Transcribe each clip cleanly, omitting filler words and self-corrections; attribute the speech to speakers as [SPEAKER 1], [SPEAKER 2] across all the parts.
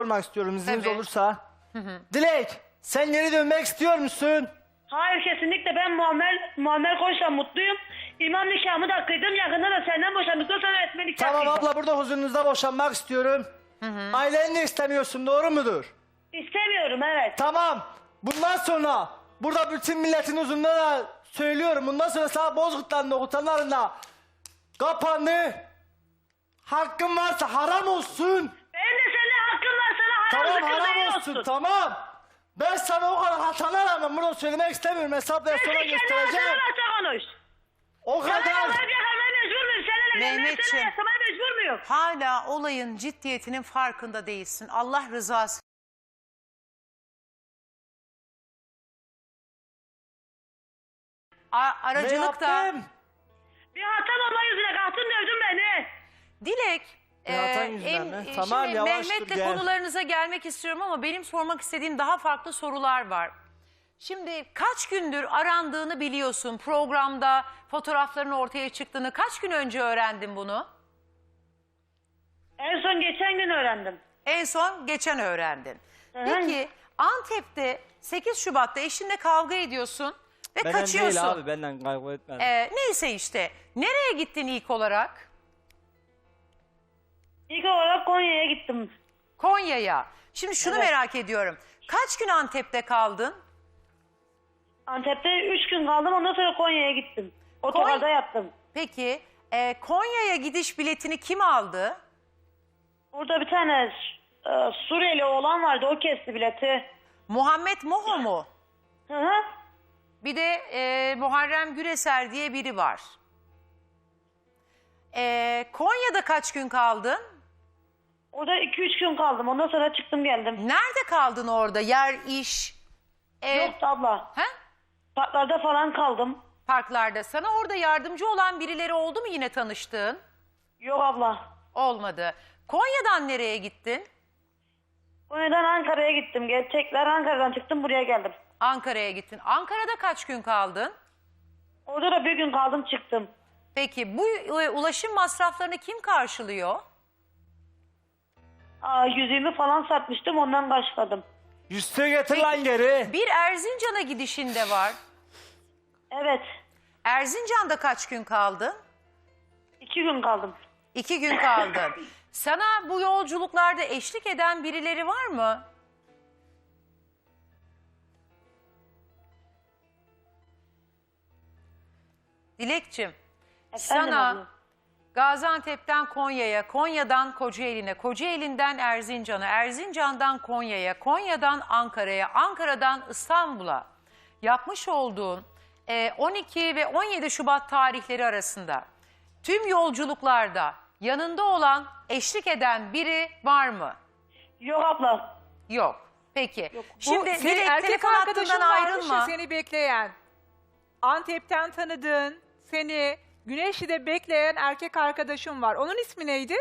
[SPEAKER 1] sormak istiyorum izniniz
[SPEAKER 2] Tabii.
[SPEAKER 1] olursa. Dilek, sen geri dönmek istiyor musun?
[SPEAKER 3] Hayır, kesinlikle ben Muammer Koç'la mutluyum. İmam nikahımı da kıydım. Yakında da senden boşandıktan sonra etme nikah
[SPEAKER 1] Tamam
[SPEAKER 3] kıydım.
[SPEAKER 1] abla, burada huzurunuzda boşanmak istiyorum. Aileni de istemiyorsun, doğru mudur?
[SPEAKER 3] İstemiyorum, evet.
[SPEAKER 1] Tamam. Bundan sonra burada bütün milletin huzurunda da söylüyorum. Bundan sonra sana Bozkurtlarında, Okutanlarında kapandı. Hakkın varsa haram olsun.
[SPEAKER 3] Benim de seninle hakkım var, sana haram
[SPEAKER 1] Tamam,
[SPEAKER 3] zıkkım
[SPEAKER 1] haram
[SPEAKER 3] değil
[SPEAKER 1] olsun. Tamam. Ben sana o kadar hatana rağmen bunu söylemek istemiyorum. Hesap ve sonra
[SPEAKER 3] Sen kendi
[SPEAKER 1] göstereceğim.
[SPEAKER 3] hatana varsa konuş.
[SPEAKER 1] O
[SPEAKER 3] Sana
[SPEAKER 1] kadar.
[SPEAKER 3] yalan yakalmaya mecbur muyum? Seninle evlenmeye,
[SPEAKER 2] Mehmetciğim.
[SPEAKER 3] seninle yaşamaya mecbur muyum?
[SPEAKER 2] Hala olayın ciddiyetinin farkında değilsin. Allah rızası.
[SPEAKER 1] Ne
[SPEAKER 2] Aracılıkta.
[SPEAKER 1] yaptım?
[SPEAKER 3] Bir hatam olma yüzüne kalktın dövdün beni.
[SPEAKER 2] Dilek,
[SPEAKER 1] Zaten yüzünden mi? Tamam,
[SPEAKER 2] şimdi
[SPEAKER 1] yavaş dur,
[SPEAKER 2] Mehmet'le
[SPEAKER 1] gel.
[SPEAKER 2] konularınıza gelmek istiyorum ama benim sormak istediğim daha farklı sorular var. Şimdi kaç gündür arandığını biliyorsun, programda fotoğrafların ortaya çıktığını kaç gün önce öğrendin bunu?
[SPEAKER 3] En son geçen gün öğrendim.
[SPEAKER 2] En son geçen öğrendin.
[SPEAKER 3] Hı.
[SPEAKER 2] Peki Antep'te 8 Şubat'ta eşinle kavga ediyorsun ve
[SPEAKER 1] Benden
[SPEAKER 2] kaçıyorsun.
[SPEAKER 1] değil abi, benden kavga etme.
[SPEAKER 2] Neyse işte. Nereye gittin ilk olarak?
[SPEAKER 3] İlk olarak Konya'ya gittim.
[SPEAKER 2] Konya'ya. Şimdi şunu
[SPEAKER 3] Evet.
[SPEAKER 2] merak ediyorum. Kaç gün Antep'te kaldın?
[SPEAKER 3] Antep'te 3 gün kaldım, ondan sonra Konya'ya gittim. Otogarda yattım.
[SPEAKER 2] Peki Konya'ya gidiş biletini kim aldı?
[SPEAKER 3] Orada bir tane Suriyeli oğlan vardı, o kesti bileti.
[SPEAKER 2] Muhammed Moho mu?
[SPEAKER 3] Hı hı.
[SPEAKER 2] Bir de Muharrem Güreser diye biri var. Konya'da kaç gün kaldın?
[SPEAKER 3] Orada 2-3 gün kaldım, ondan sonra çıktım geldim.
[SPEAKER 2] Nerede kaldın orada? Yer, iş?
[SPEAKER 3] Yoktu abla.
[SPEAKER 2] He?
[SPEAKER 3] Parklarda falan kaldım.
[SPEAKER 2] Parklarda. Sana orada yardımcı olan birileri oldu mu yine tanıştığın?
[SPEAKER 3] Yok abla.
[SPEAKER 2] Olmadı. Konya'dan nereye gittin?
[SPEAKER 3] Konya'dan Ankara'ya gittim. Tekrar Ankara'dan çıktım, buraya geldim.
[SPEAKER 2] Ankara'ya gittin. Ankara'da kaç gün kaldın?
[SPEAKER 3] Orada da bir gün kaldım, çıktım.
[SPEAKER 2] Peki bu ulaşım masraflarını kim karşılıyor?
[SPEAKER 3] Yüzüğümü falan satmıştım, ondan karşıladım.
[SPEAKER 1] Yüzüğü getir lan geri.
[SPEAKER 2] Bir Erzincan'a gidişin de var.
[SPEAKER 3] Evet.
[SPEAKER 2] Erzincan'da kaç gün kaldın?
[SPEAKER 3] 2 gün kaldım.
[SPEAKER 2] 2 gün kaldın. Sana bu yolculuklarda eşlik eden birileri var mı? Dilekçim,
[SPEAKER 3] Efendim
[SPEAKER 2] sana
[SPEAKER 3] abla.
[SPEAKER 2] Gaziantep'ten Konya'ya, Konya'dan Kocaeli'ne, Kocaeli'nden Erzincan'a, Erzincan'dan Konya'ya, Konya'dan Ankara'ya, Ankara'dan İstanbul'a yapmış olduğun 12 ve 17 Şubat tarihleri arasında tüm yolculuklarda yanında olan, eşlik eden biri var mı?
[SPEAKER 3] Yok abla.
[SPEAKER 2] Yok. Peki.
[SPEAKER 4] Bu
[SPEAKER 2] Şimdi
[SPEAKER 4] senin
[SPEAKER 2] Dilek,
[SPEAKER 4] erkek
[SPEAKER 2] telefon
[SPEAKER 4] arkadaşın
[SPEAKER 2] hattından
[SPEAKER 4] varmış
[SPEAKER 2] ayrılma.
[SPEAKER 4] ya seni bekleyen. Antep'ten tanıdığın, seni Güneşli'de bekleyen erkek arkadaşım var. Onun ismi neydi?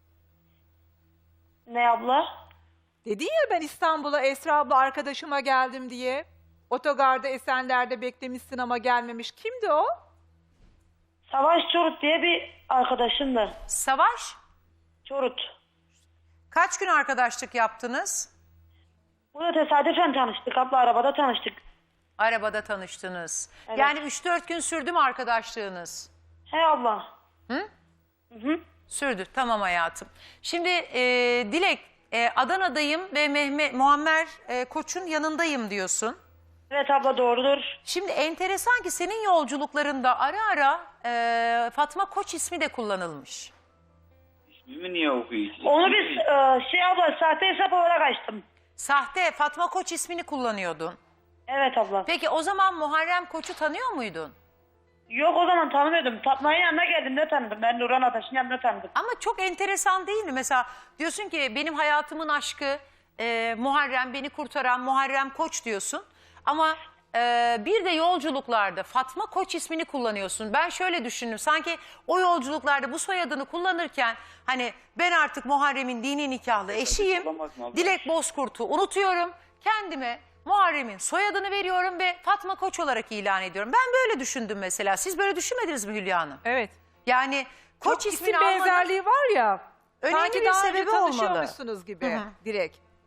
[SPEAKER 3] Ne abla?
[SPEAKER 4] Dedin ya ben İstanbul'a Esra abla arkadaşıma geldim diye. Otogarda Esenler'de beklemişsin ama gelmemiş. Kimdi o?
[SPEAKER 3] Savaş Çorut diye bir arkadaşımdı.
[SPEAKER 2] Savaş,
[SPEAKER 3] Çorut.
[SPEAKER 2] kaç gün arkadaşlık yaptınız?
[SPEAKER 3] Burada tesadüfen tanıştık abla, arabada tanıştık.
[SPEAKER 2] Arabada tanıştınız.
[SPEAKER 3] Evet.
[SPEAKER 2] Yani 3-4 gün sürdü mü arkadaşlığınız?
[SPEAKER 3] He abla.
[SPEAKER 2] Hı?
[SPEAKER 3] Hı.
[SPEAKER 2] Sürdü. Tamam hayatım. Şimdi Dilek, Adana'dayım ve Muammer Koç'un yanındayım diyorsun.
[SPEAKER 3] Evet abla, doğrudur.
[SPEAKER 2] Şimdi enteresan ki senin yolculuklarında ara ara Fatma Koç ismi de kullanılmış.
[SPEAKER 5] İsmimi niye okuyorsun?
[SPEAKER 3] Onu biz abla sahte hesap olarak açtım.
[SPEAKER 2] Sahte Fatma Koç ismini kullanıyordun.
[SPEAKER 3] Evet abla.
[SPEAKER 2] Peki o zaman Muharrem Koç'u tanıyor muydun?
[SPEAKER 3] Yok, o zaman tanımıyordum. Fatma'nın yanına geldiğimde tanıdım. Ben Nurhan Ataş'ın yanında tanıdım.
[SPEAKER 2] Ama çok enteresan değil mi? Mesela diyorsun ki benim hayatımın aşkı Muharrem, beni kurtaran Muharrem Koç diyorsun. Ama bir de yolculuklarda Fatma Koç ismini kullanıyorsun. Ben şöyle düşündüm. Sanki o yolculuklarda bu soyadını kullanırken hani ben artık Muharrem'in dini nikahlı eşiyim. Dilek Bozkurt'u unutuyorum. Kendime Muharrem'in soyadını veriyorum ve Fatma Koç olarak ilan ediyorum. Ben böyle düşündüm mesela. Siz böyle düşünmediniz mi Hülya Hanım?
[SPEAKER 4] Evet.
[SPEAKER 2] Yani Koç
[SPEAKER 4] Çok
[SPEAKER 2] ismini
[SPEAKER 4] isim
[SPEAKER 2] almanın
[SPEAKER 4] benzerliği var ya.
[SPEAKER 2] önemli
[SPEAKER 4] Sanki
[SPEAKER 2] bir
[SPEAKER 4] daha önce
[SPEAKER 2] sebebi olmalı.
[SPEAKER 4] tanışıyormuşsunuz gibi direkt.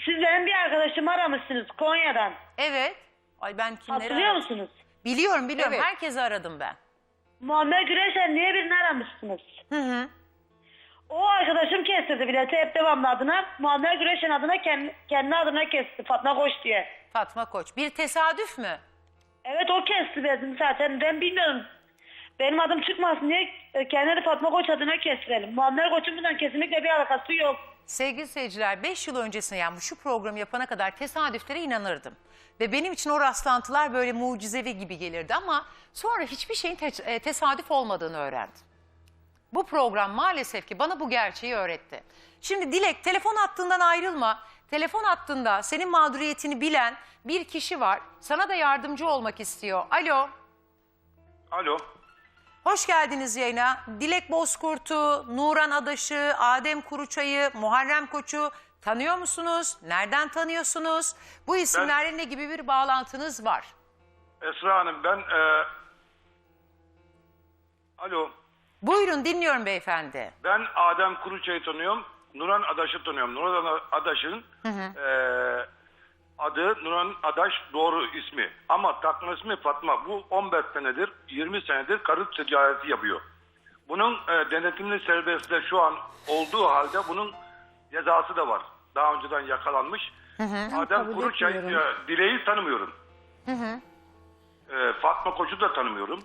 [SPEAKER 3] Siz benim bir arkadaşımı aramışsınız Konya'dan.
[SPEAKER 2] Evet. Ay ben kimleri
[SPEAKER 3] Hatırlıyor
[SPEAKER 2] aradım?
[SPEAKER 3] musunuz?
[SPEAKER 2] Biliyorum.
[SPEAKER 4] Evet.
[SPEAKER 2] Herkesi aradım ben.
[SPEAKER 3] Muammer Güreşen diye birini aramışsınız.
[SPEAKER 2] Hı.
[SPEAKER 3] O arkadaşım kestirdi bileti hep devamlı adına. Muammer Güreşen adına kendi adına kesti. Fatma Koç diye.
[SPEAKER 2] Fatma Koç. Bir tesadüf mü?
[SPEAKER 3] Evet o kesti dedim zaten. Ben bilmiyorum. Benim adım çıkmasın diye kendini Fatma Koç adına kestirelim. Muammer Koç'un bundan kesinlikle bir alakası yok.
[SPEAKER 2] Sevgili seyirciler 5 yıl öncesine yani şu programı yapana kadar tesadüflere inanırdım. Ve benim için o rastlantılar böyle mucizevi gibi gelirdi ama sonra hiçbir şeyin tesadüf olmadığını öğrendim. Bu program maalesef ki bana bu gerçeği öğretti. Şimdi Dilek telefon hattından ayrılma. Telefon hattında senin mağduriyetini bilen bir kişi var. Sana da yardımcı olmak istiyor. Alo.
[SPEAKER 6] Alo.
[SPEAKER 2] Hoş geldiniz yayına. Dilek Bozkurt'u, Nuran Adaş'ı, Adem Kuruçay'ı, Muharrem Koç'u tanıyor musunuz? Nereden tanıyorsunuz? Bu isimlerle ne gibi bir bağlantınız var?
[SPEAKER 6] Esra Hanım ben... Alo.
[SPEAKER 2] Buyurun dinliyorum beyefendi.
[SPEAKER 6] Ben Adem Kuruçay'ı tanıyorum. Nuran Adaş'ı tanıyorum. Nuran Adaş'ın adı Nuran Adaş doğru ismi. Ama takma ismi Fatma. Bu 15 senedir, 20 senedir karı ticareti yapıyor. Bunun denetimli serbestliği şu an olduğu halde bunun cezası da var. Daha önceden yakalanmış. Adem Kuruçay, Dilek'i tanımıyorum. Fatma Koç'u da tanımıyorum.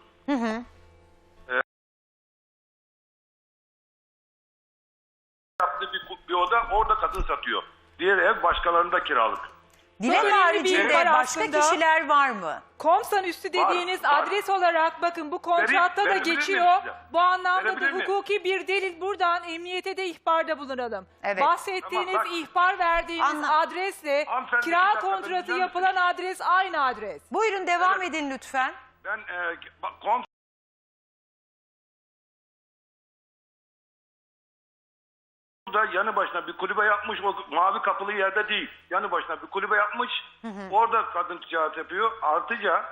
[SPEAKER 6] Yaptığı bir oda orada kadın satıyor. Diğer ev başkalarında kiralık.
[SPEAKER 2] Dilek
[SPEAKER 4] önemli bir
[SPEAKER 2] haricinde
[SPEAKER 4] yer
[SPEAKER 2] başka
[SPEAKER 4] aslında.
[SPEAKER 2] kişiler var mı?
[SPEAKER 4] Komsan üstü dediğiniz
[SPEAKER 6] var.
[SPEAKER 4] adres olarak bakın bu kontratta da
[SPEAKER 6] Verebilir
[SPEAKER 4] geçiyor.
[SPEAKER 6] miyim size?
[SPEAKER 4] Bu anlamda da
[SPEAKER 6] Verebilir miyim?
[SPEAKER 4] hukuki bir delil buradan emniyete de ihbarda bulunalım.
[SPEAKER 2] Evet.
[SPEAKER 4] Bahsettiğiniz
[SPEAKER 6] Tamam, bak.
[SPEAKER 4] ihbar verdiğiniz adresle
[SPEAKER 6] Hanımefendi, bir
[SPEAKER 4] kira
[SPEAKER 6] dakika,
[SPEAKER 4] kontratı
[SPEAKER 6] ben
[SPEAKER 4] yapılan adres aynı adres.
[SPEAKER 2] Buyurun devam edin lütfen.
[SPEAKER 6] Ben da yanı başına bir kulübe yapmış, o mavi kapılı yerde değil. Yanı başına bir kulübe yapmış, orada kadın ticaret yapıyor. Artıca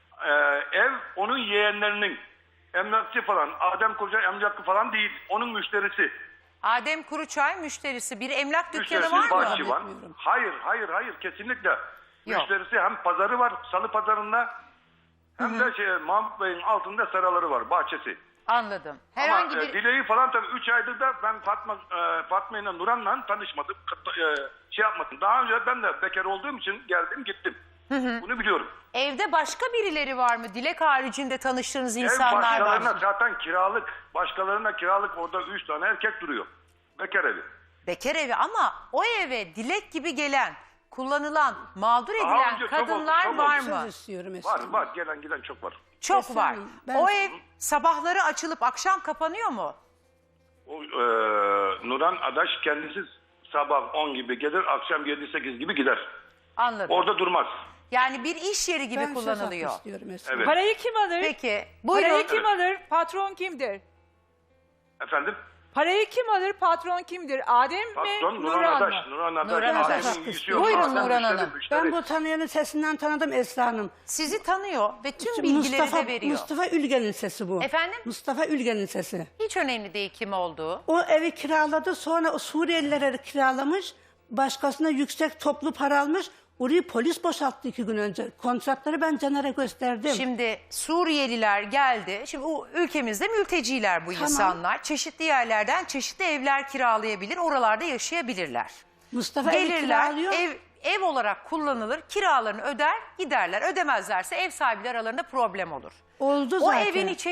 [SPEAKER 6] ev onun yeğenlerinin, emlakçı falan, Adem Koca emlakçı falan değil, onun müşterisi.
[SPEAKER 2] Adem Kuruçay müşterisi bir emlak dükkanı
[SPEAKER 6] Müşterisi
[SPEAKER 2] var mı?
[SPEAKER 6] bahçıvan. Hayır, kesinlikle.
[SPEAKER 2] Yok.
[SPEAKER 6] Müşterisi hem pazarı var, salı pazarında, hem de Mahmut Bey'in altında seraları var, bahçesi.
[SPEAKER 2] Anladım. Herhangi
[SPEAKER 6] Ama
[SPEAKER 2] bir...
[SPEAKER 6] Dilek'i falan tabii 3 aydır da ben Fatma ile Nuran'la tanışmadım. Şey yapmadım. Daha önce ben de bekar olduğum için geldim gittim. Bunu biliyorum.
[SPEAKER 2] Evde başka birileri var mı? Dilek haricinde tanıştığınız
[SPEAKER 6] Ev
[SPEAKER 2] insanlar var
[SPEAKER 6] başkalarına
[SPEAKER 2] mı?
[SPEAKER 6] zaten kiralık. Başkalarına kiralık, orada 3 tane erkek duruyor. Bekar evi.
[SPEAKER 2] Bekar evi ama o eve Dilek gibi gelen, kullanılan, mağdur
[SPEAKER 6] Daha
[SPEAKER 2] edilen
[SPEAKER 6] önce çok
[SPEAKER 2] kadınlar
[SPEAKER 6] oldu, çok
[SPEAKER 2] var
[SPEAKER 6] oldu.
[SPEAKER 2] mı?
[SPEAKER 7] istiyorum Esra.
[SPEAKER 6] Var gelen giden çok var.
[SPEAKER 2] Çok
[SPEAKER 7] Esra
[SPEAKER 2] var.
[SPEAKER 7] Hanım, ben-
[SPEAKER 2] O ev sabahları açılıp akşam kapanıyor mu?
[SPEAKER 6] O, Nuran Adaş kendisi sabah 10 gibi gelir, akşam 7-8 gibi gider.
[SPEAKER 2] Anladım.
[SPEAKER 6] Orada durmaz.
[SPEAKER 2] Yani bir iş yeri gibi
[SPEAKER 7] Ben söz hakkı
[SPEAKER 2] kullanılıyor.
[SPEAKER 7] istiyorum Esra.
[SPEAKER 6] Evet.
[SPEAKER 4] Parayı kim alır?
[SPEAKER 2] Peki. Buyurun.
[SPEAKER 4] Parayı kim alır? Patron kimdir?
[SPEAKER 6] Efendim?
[SPEAKER 4] Parayı kim alır? Patron kimdir? Adem mi?
[SPEAKER 6] Patron Nuran
[SPEAKER 4] Nuran
[SPEAKER 6] Adaş.
[SPEAKER 4] mı?
[SPEAKER 6] Nuran Adaş.
[SPEAKER 2] Nuran Adaş.
[SPEAKER 6] Adem'in yüzü yok.
[SPEAKER 2] Buyurun
[SPEAKER 6] Adem
[SPEAKER 2] Nuran
[SPEAKER 6] müşteri,
[SPEAKER 2] Hanım.
[SPEAKER 6] müşteri.
[SPEAKER 7] Ben bu tanıyanın sesinden tanıdım Esra Hanım.
[SPEAKER 2] Sizi tanıyor ve tüm bilgileri de veriyor.
[SPEAKER 7] Mustafa Ülgen'in sesi bu.
[SPEAKER 2] Efendim?
[SPEAKER 7] Mustafa Ülgen'in sesi.
[SPEAKER 2] Hiç önemli değil kim olduğu.
[SPEAKER 7] O evi kiraladı, sonra o Suriyelilere kiralamış, başkasına yüksek toplu para almış. Orayı polis boşalttı 2 gün önce. Kontratları ben Caner'e gösterdim.
[SPEAKER 2] Şimdi Suriyeliler geldi. Şimdi ülkemizde mülteciler bu insanlar. Çeşitli yerlerden çeşitli evler kiralayabilir. Oralarda yaşayabilirler.
[SPEAKER 7] Mustafa evi
[SPEAKER 2] Gelirler,
[SPEAKER 7] kiralıyor.
[SPEAKER 2] ev olarak kullanılır, kiralarını öder, giderler. Ödemezlerse ev sahipleri aralarında problem olur.
[SPEAKER 7] Oldu
[SPEAKER 2] O
[SPEAKER 7] zaten.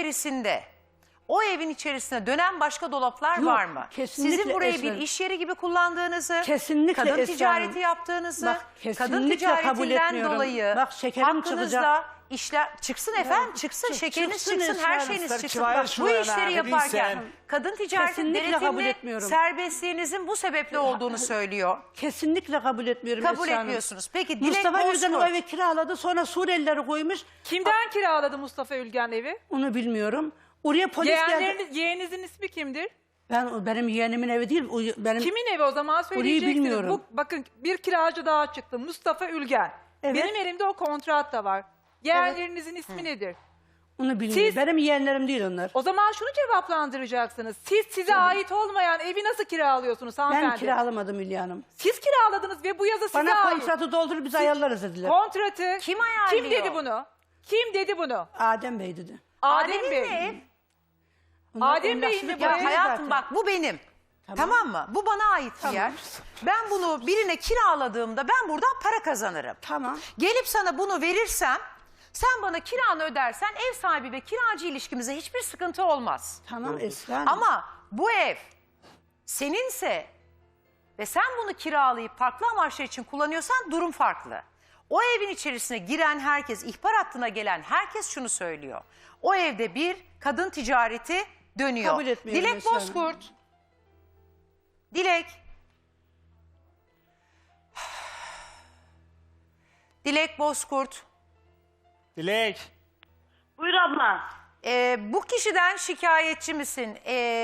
[SPEAKER 2] o evin içerisinde dönen başka dolaplar
[SPEAKER 7] Yok,
[SPEAKER 2] var mı?
[SPEAKER 7] kesinlikle
[SPEAKER 2] Sizin burayı bir
[SPEAKER 7] Esra.
[SPEAKER 2] iş yeri gibi kullandığınızı,
[SPEAKER 7] Kesinlikle
[SPEAKER 2] kadın
[SPEAKER 7] Esra
[SPEAKER 2] ticareti
[SPEAKER 7] Hanım.
[SPEAKER 2] yaptığınızı,
[SPEAKER 7] Bak,
[SPEAKER 2] kadın
[SPEAKER 7] kesinlikle kabul
[SPEAKER 2] ticaretinden
[SPEAKER 7] etmiyorum.
[SPEAKER 2] dolayı
[SPEAKER 7] Bak, şekerim
[SPEAKER 2] hakkınızda
[SPEAKER 7] çıkacak.
[SPEAKER 2] işler çıksın efendim, çıksın, şekeriniz
[SPEAKER 7] çıksın
[SPEAKER 2] çıksın,
[SPEAKER 7] Esra
[SPEAKER 2] her
[SPEAKER 7] Hanım.
[SPEAKER 2] şeyiniz
[SPEAKER 1] Sen
[SPEAKER 2] çıksın.
[SPEAKER 1] kivayet
[SPEAKER 2] Bak, bu
[SPEAKER 1] şuraya
[SPEAKER 2] işleri
[SPEAKER 1] ne
[SPEAKER 2] yaparken
[SPEAKER 1] bilsen.
[SPEAKER 2] kadın ticareti
[SPEAKER 7] Kesinlikle kabul
[SPEAKER 2] denetimli
[SPEAKER 7] etmiyorum.
[SPEAKER 2] serbestliğinizin bu sebeple olduğunu söylüyor.
[SPEAKER 7] Kesinlikle kabul etmiyorum
[SPEAKER 2] Kabul
[SPEAKER 7] Esra Hanım.
[SPEAKER 2] etmiyorsunuz. Peki Dilek
[SPEAKER 7] Mustafa Ülgen o
[SPEAKER 2] Bozkurt.
[SPEAKER 7] evi kiraladı, sonra Suriyelileri koymuş.
[SPEAKER 4] Kimden kiraladı Mustafa Ülgen evi?
[SPEAKER 7] Onu bilmiyorum. Oraya polis geldi.
[SPEAKER 4] Yeğeninizin ismi kimdir?
[SPEAKER 7] Benim yeğenimin evi değil. Benim
[SPEAKER 4] Kimin evi o zaman söyleyeceksiniz.
[SPEAKER 7] bilmiyorum.
[SPEAKER 4] Bakın bir kiracı daha çıktı. Mustafa Ülgen.
[SPEAKER 7] Evet.
[SPEAKER 4] Benim elimde o kontrat da var. Yeğenlerinizin ismi nedir?
[SPEAKER 7] Onu bilmiyorum.
[SPEAKER 4] Siz-
[SPEAKER 7] Benim yeğenlerim değil onlar.
[SPEAKER 4] O zaman şunu cevaplandıracaksınız. Siz size ait olmayan evi nasıl kiralıyorsunuz hanımefendi?
[SPEAKER 7] Ben kiralamadım Hülya Hanım.
[SPEAKER 4] Siz kiraladınız ve bu yazı size
[SPEAKER 7] Bana
[SPEAKER 4] ait.
[SPEAKER 7] kontratı doldur biz ayarlarız dediler.
[SPEAKER 4] Kontratı.
[SPEAKER 2] Kim ayarlıyor?
[SPEAKER 4] Kim dedi bunu? Kim dedi bunu?
[SPEAKER 7] Adem Bey dedi.
[SPEAKER 4] Adem
[SPEAKER 2] Adem'in
[SPEAKER 4] Bey.
[SPEAKER 2] mi ev?
[SPEAKER 7] Bunlar
[SPEAKER 4] Adem Bey'in
[SPEAKER 7] emlakçılık
[SPEAKER 4] de
[SPEAKER 2] Ya
[SPEAKER 4] bu
[SPEAKER 7] yapıyor
[SPEAKER 2] hayatım
[SPEAKER 7] zaten.
[SPEAKER 2] bak bu benim. Tamam mı? Bu bana ait bir yer. Ben bunu birine kiraladığımda ben buradan para kazanırım.
[SPEAKER 7] Tamam.
[SPEAKER 2] Gelip sana bunu verirsem sen bana kiranı ödersen ev sahibi ve kiracı ilişkimize hiçbir sıkıntı olmaz.
[SPEAKER 7] Tamam Esra Hanım.
[SPEAKER 2] Ama bu ev seninse ve sen bunu kiralayıp farklı amaçlar için kullanıyorsan durum farklı. O evin içerisine giren herkes, ihbar hattına gelen herkes şunu söylüyor. O evde bir kadın ticareti dönüyor.
[SPEAKER 7] Kabul etmiyorum
[SPEAKER 2] Dilek
[SPEAKER 7] Esra Hanım.
[SPEAKER 2] Bozkurt. Dilek. Dilek Bozkurt.
[SPEAKER 1] Dilek.
[SPEAKER 3] Buyur abla.
[SPEAKER 2] Bu kişiden şikayetçi misin?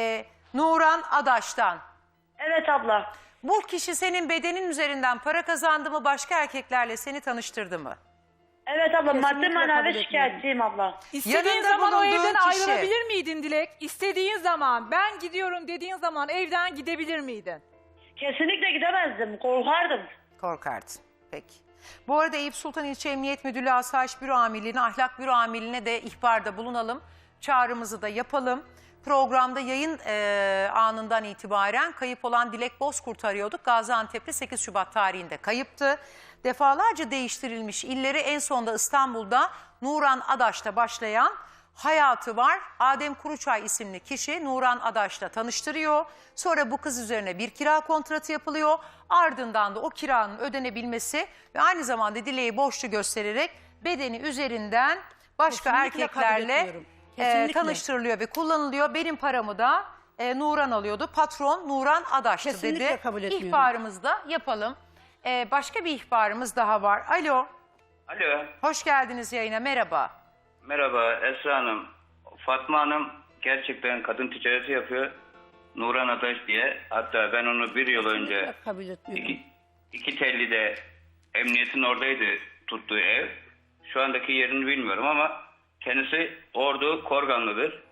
[SPEAKER 2] Nuran Adaş'tan.
[SPEAKER 3] Evet abla.
[SPEAKER 2] Bu kişi senin bedenin üzerinden para kazandı mı, başka erkeklerle seni tanıştırdı mı?
[SPEAKER 3] Evet abla, maddi
[SPEAKER 7] Kesinlikle kabul
[SPEAKER 3] manevi
[SPEAKER 7] etmiyorum.
[SPEAKER 3] şikayetçiyim abla.
[SPEAKER 4] İstediğin
[SPEAKER 2] Yanında
[SPEAKER 4] zaman o
[SPEAKER 2] bulunduğun
[SPEAKER 4] evden
[SPEAKER 2] kişi.
[SPEAKER 4] ayrılabilir miydin Dilek? İstediğin zaman ben gidiyorum dediğin zaman evden gidebilir miydin?
[SPEAKER 3] Kesinlikle gidemezdim, korkardım.
[SPEAKER 2] Korkardın. Peki. Bu arada Eyüp Sultan İlçe Emniyet Müdürlüğü Asayiş Büro Amirliği'ne, Ahlak Büro Amirliği'ne de ihbarda bulunalım. Çağrımızı da yapalım. Programda yayın anından itibaren kayıp olan Dilek Bozkurt'u arıyorduk. Gaziantep'te 8 Şubat tarihinde kayıptı. Defalarca değiştirilmiş illeri, en sonunda İstanbul'da Nuran Adaş'ta başlayan hayatı var. Adem Kuruçay isimli kişi Nuran Adaş'la tanıştırıyor. Sonra bu kız üzerine bir kira kontratı yapılıyor. Ardından da o kiranın ödenebilmesi ve aynı zamanda Dilek'i borçlu göstererek bedeni üzerinden başka
[SPEAKER 7] Kesinlikle kabul
[SPEAKER 2] erkeklerle
[SPEAKER 7] etmiyorum. Kesinlikle.
[SPEAKER 2] tanıştırılıyor ve kullanılıyor. Benim paramı da Nuran alıyordu. Patron Nuran Adaş'tı
[SPEAKER 7] Kesinlikle
[SPEAKER 2] dedi.
[SPEAKER 7] kabul etmiyorum.
[SPEAKER 2] İhbarımızı da yapalım. Başka bir ihbarımız daha var. Alo,
[SPEAKER 5] Alo.
[SPEAKER 2] hoş geldiniz yayına. Merhaba.
[SPEAKER 5] Merhaba Esra Hanım. Fatma Hanım gerçekten kadın ticareti yapıyor. Nuran Adaş diye. Hatta ben onu bir yıl önce
[SPEAKER 7] Kesinlikle kabul etmiyorum.
[SPEAKER 5] iki telli'de emniyetin oradaydı tuttuğu ev. Şu andaki yerini bilmiyorum ama kendisi Ordu Korganlı'dır.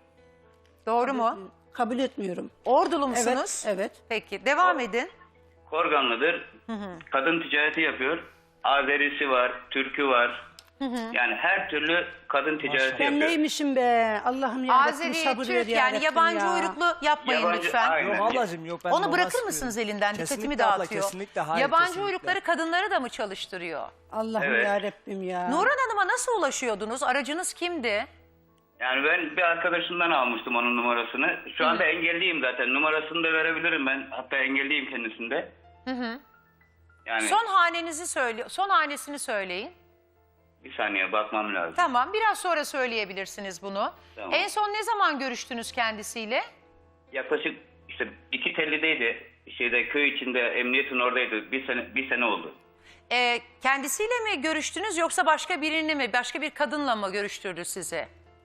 [SPEAKER 2] Doğru mu?
[SPEAKER 7] Kabul etmiyorum.
[SPEAKER 2] Ordulu musunuz?
[SPEAKER 7] Evet, evet.
[SPEAKER 2] Peki, devam edin.
[SPEAKER 5] Korganlı'dır. Kadın ticareti yapıyor. Azerisi var, Türkü var. Yani her türlü kadın ticareti
[SPEAKER 7] Ben
[SPEAKER 5] yapıyor.
[SPEAKER 7] neymişim be? Allah'ım ya Rabbim
[SPEAKER 2] Azeri,
[SPEAKER 7] sabır ver
[SPEAKER 2] Türk
[SPEAKER 7] ya
[SPEAKER 2] yani
[SPEAKER 7] Rabbim
[SPEAKER 2] yabancı
[SPEAKER 7] ya.
[SPEAKER 2] uyruklu yapmayın
[SPEAKER 5] Yabancı,
[SPEAKER 2] lütfen.
[SPEAKER 5] aynen.
[SPEAKER 1] Yok ablacığım yok. Ben
[SPEAKER 2] Onu
[SPEAKER 1] normal
[SPEAKER 2] bırakır
[SPEAKER 1] sıkıyorum.
[SPEAKER 2] mısınız elinden? Dikkatimi
[SPEAKER 1] Kesinlikle abla,
[SPEAKER 2] dağıtıyor.
[SPEAKER 1] kesinlikle, hayır,
[SPEAKER 2] Yabancı
[SPEAKER 1] kesinlikle.
[SPEAKER 2] uyrukları kadınları da mı çalıştırıyor?
[SPEAKER 7] Allah'ım
[SPEAKER 5] Evet.
[SPEAKER 7] ya Rabbim ya.
[SPEAKER 2] Nuran Hanım'a nasıl ulaşıyordunuz? Aracınız kimdi?
[SPEAKER 5] Yani ben bir arkadaşımdan almıştım onun numarasını. Şu anda engelliyim zaten. Numarasını da verebilirim ben. Hatta engelliyim kendisinde. Yani
[SPEAKER 2] Son hanesini söyleyin.
[SPEAKER 5] bir saniye bakmam lazım.
[SPEAKER 2] Tamam, biraz sonra söyleyebilirsiniz bunu.
[SPEAKER 5] Tamam.
[SPEAKER 2] En son ne zaman görüştünüz kendisiyle?
[SPEAKER 5] Yaklaşık işte iki tellideydi. Köy içinde emniyetin oradaydı. Bir sene oldu.
[SPEAKER 2] Kendisiyle mi görüştünüz yoksa başka birini mi, başka bir kadınla mı görüştürdü sizi?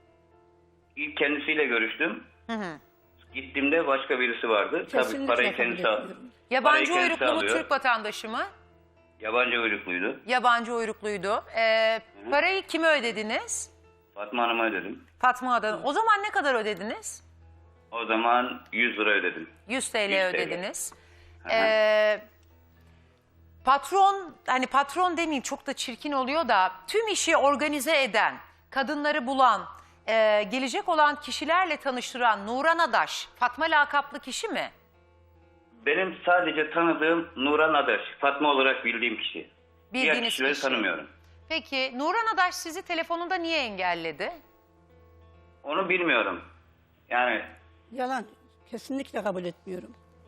[SPEAKER 5] İlk kendisiyle görüştüm. Gittiğimde başka birisi vardı. Tabii
[SPEAKER 7] Kesinlikle
[SPEAKER 5] parayı
[SPEAKER 7] kabul
[SPEAKER 5] kendisi aldı.
[SPEAKER 7] etmiyorum.
[SPEAKER 2] Yabancı
[SPEAKER 5] Parayı
[SPEAKER 2] uyruklu mu,
[SPEAKER 5] kendisi alıyor.
[SPEAKER 2] Türk vatandaşı mı?
[SPEAKER 5] Yabancı uyrukluydu.
[SPEAKER 2] Yabancı uyrukluydu. Parayı kime ödediniz?
[SPEAKER 5] Fatma Hanım'a ödedim.
[SPEAKER 2] Fatma Adan'a. O zaman ne kadar ödediniz?
[SPEAKER 5] O zaman 100 lira ödedim.
[SPEAKER 2] 100 TL
[SPEAKER 5] 100 TL.
[SPEAKER 2] ödediniz. Patron demeyeyim, çok da çirkin oluyor da, tüm işi organize eden, kadınları bulan, gelecek olan kişilerle tanıştıran Nuran Adaş, Fatma lakaplı kişi mi?
[SPEAKER 5] Benim sadece tanıdığım Nuran Adaş. Fatma olarak bildiğim kişi. Diğer
[SPEAKER 2] Bildiğiniz
[SPEAKER 5] kişileri
[SPEAKER 2] kişi.
[SPEAKER 5] tanımıyorum.
[SPEAKER 2] Peki Nuran Adaş sizi telefonunda niye engelledi?
[SPEAKER 5] Onu bilmiyorum. Yani
[SPEAKER 7] Yalan. Kesinlikle kabul etmiyorum.